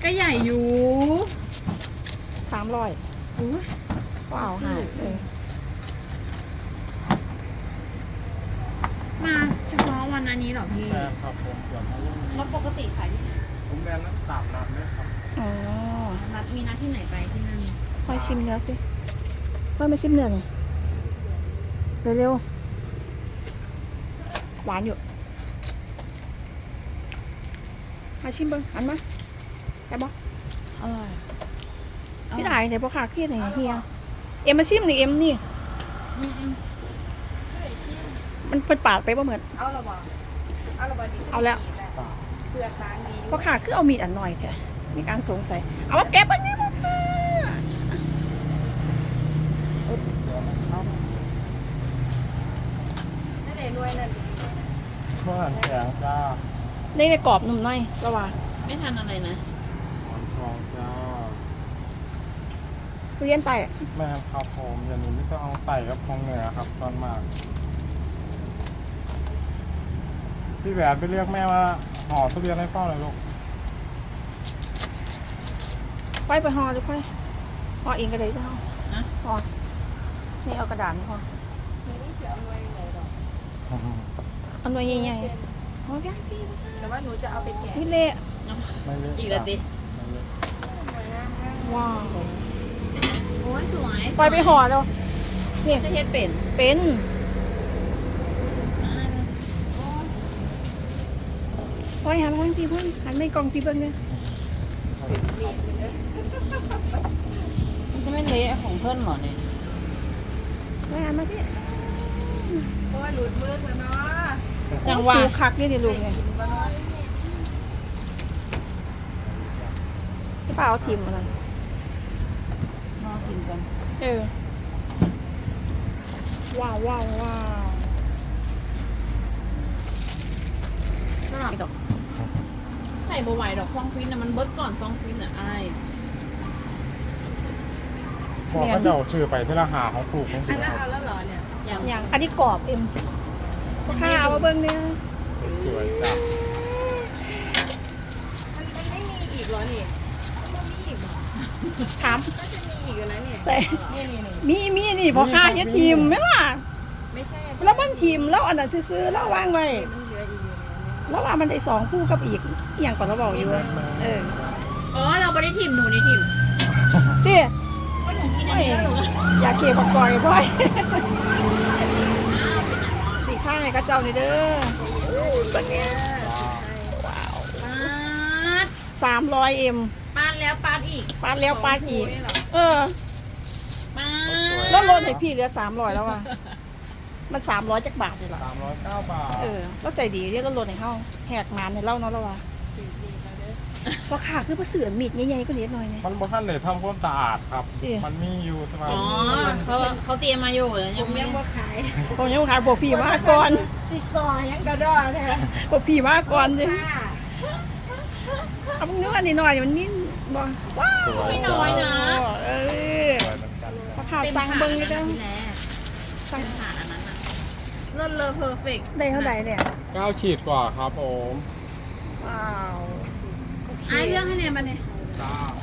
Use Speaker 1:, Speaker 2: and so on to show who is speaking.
Speaker 1: ก็ใหญ่อยู่
Speaker 2: 300
Speaker 1: อู้
Speaker 2: ว้าวหายเลย
Speaker 1: มาเฉพาะวันอันนี้เหรอพี่
Speaker 3: แบรนด์ครับผมเกือบมารุ่น
Speaker 1: แล้วปกติขายที่ไหน
Speaker 3: ผมแบรนด์นั้น3 นัดเลยครับ
Speaker 2: อ๋อ
Speaker 1: นัดมีนัดที่ไหนไปที่นั่น
Speaker 2: คอยชิมเนื้อสิเพิ่มไปชิมเนื้อหน่อยเร็วๆหวานอยู่มาชิมเบิ้งหันมาได้บ่
Speaker 1: อร่อย
Speaker 2: สิได้เดี๋ยวพอขาเครียดหน่อยเฮียเอ็มมาชิมนี่เอ็มนี่มันเปิดปาดไปบ่เหมือน
Speaker 1: เอาละบ่เอาละบ่ดี
Speaker 2: เอาแล้ว
Speaker 1: เปลือกบางดี
Speaker 2: พอขาคือเอามีดอันหน่อยเถอะมีการสงสัยเอามาแก็บอันนี้มาค่ะ
Speaker 3: เดี๋ยวนะครับ
Speaker 1: ไม่ได้รวยนั่น
Speaker 3: เมื่อหันแข็งจ้า
Speaker 2: ในกรอบหนุ่มหน่อยระวัง
Speaker 1: ไม่ทันอะไรนะ
Speaker 3: หอนทองจ้า
Speaker 2: เรียนไป
Speaker 3: แม่ครับผมอย่างนี้ไม่ต้องเอาไต่กับทองเหนือครับตอนมากพี่แหวนไปเรียกแม่ว่าห่อทุเรียนให้พ่อหน่อยลูก
Speaker 2: ไปห่อหรือไปห่อเองก็ได้ก็ห่อ
Speaker 1: นะ
Speaker 2: ห่อนี่เอากระดาษห่อ
Speaker 1: ไม่เสียเอาไว้ไหนหรอก
Speaker 2: เอาหน่วยใหญ่ๆห่อพี่พี่
Speaker 1: แต่ว่าหนูจะเอาไปแกะ
Speaker 2: พี่เละ
Speaker 3: ไม่เล็ก
Speaker 1: อีกแล้วดิ
Speaker 3: ไม่เล็ก
Speaker 2: ว้าว
Speaker 1: โอ้ยสวย
Speaker 2: ไปห่อแล้วนี่
Speaker 1: จะเฮ็ดเป็น
Speaker 2: เป็นพอยหันมาทางพี่เพิ่งหันไม่กล้องพี่เบิ้งเนี่ย
Speaker 1: มันจะไม่เละของเพื่อนหรอเนี่ย
Speaker 2: พอยหันมาพี่
Speaker 1: โอ้ยหลุดมือเถอะเนาะ
Speaker 2: จังหวะสูคักนี่ดิลุงเนี่ยที่ป้าเอาทิมมันนั่น
Speaker 1: รอกินกัน
Speaker 2: เออว้าวว้าวว้าว
Speaker 1: สลับดอกใส่บะไหวดอกฟองฟินนะมันเบิดก่อนฟองฟินอ่ะไอ้าย
Speaker 3: บอกว่าเดี๋ยวชื่อไปที่ละหาของปลูกของ
Speaker 1: อั
Speaker 3: สิ
Speaker 1: นนั้น
Speaker 3: ค
Speaker 1: เอา
Speaker 3: รับ
Speaker 1: แล้วเหรอเนี่ยยัง
Speaker 2: อย่างอันนี้กรอบเอ็มข้าวมาเบิ้งเนี่ย
Speaker 3: สวยจ้า
Speaker 1: มันไม่มีอีกเหรอนี่มันมีอีกเหรอ
Speaker 2: ถาม
Speaker 1: น่าจะมีอีกอยู่แล้วเนี่ย
Speaker 2: ใส่
Speaker 1: นี่
Speaker 2: มีนี่พอค่าเยอะทีมไหมล่ะ
Speaker 1: ไม่ใช่
Speaker 2: แล้วมันทีมแล้วอันนั้นซื้อๆแล้ววางไว้
Speaker 1: มันเหลืออีกอยู่
Speaker 2: แล้วว่ามันได้2คู่กับอีกอหย่างก่อนเราบอกอยู่เออ
Speaker 1: อ๋อเราไม่ได้ทิมหนูนี่ทิม
Speaker 2: เจ๊
Speaker 1: ก็หนูกินอันนี้แล้วหนูก็
Speaker 2: อยากเก็บผักกอยบ่อยสีข้างไงก็เจ้านี่เด้อแบบนี้
Speaker 1: ปาด
Speaker 2: 300เอ็ม
Speaker 1: ปาดแล้วปาดอีก
Speaker 2: ปาดแล้วปาดอีก เออ
Speaker 1: ปา
Speaker 2: แล้ว
Speaker 1: ด
Speaker 2: ลดให้พี่เหลือ300แล้วว่ะมัน300จักบาทเลยเหรอ
Speaker 3: 309 บาท
Speaker 2: เออแล้วใจดีเรียกก็ลดให้เฮาแหกงานให้เล่าเนาะแล้วว่ะเพราะขาคือประเสือมีดใหญ่ๆก็เล็กหน่อยเนี่ย
Speaker 3: มันบ่ทันเลยทำความสะอาดครับ
Speaker 2: จริง
Speaker 3: มันมีอยู่สบาย
Speaker 1: อ๋อเขาเตรียมมาอยู่ยังไม่ว่าขาย
Speaker 2: ผมยังขายพวกพี่มาก่อน
Speaker 1: สิซอยยังกระดอแท้
Speaker 2: พวกพี่มาก่อนสิเอาเนื้ออันนี้หน่อยมันนิ่มบ่ว้าว
Speaker 1: ไม่น้อยนะ
Speaker 2: เออ
Speaker 3: สวยเหมือนกัน
Speaker 2: พอขาสั่งเบิ่งนี่จ้ะ
Speaker 1: สั่งผ่านอันนั้นน่ะเลิศเลอเพอร์เฟกต์
Speaker 2: ได้เท่าไหร่เนี่ย
Speaker 3: 9 ขีดกว่าครับผม
Speaker 2: ว้าวโอเค
Speaker 1: ไอ้เรื่องให้เนี่ยมาเนี่ย
Speaker 3: จ้า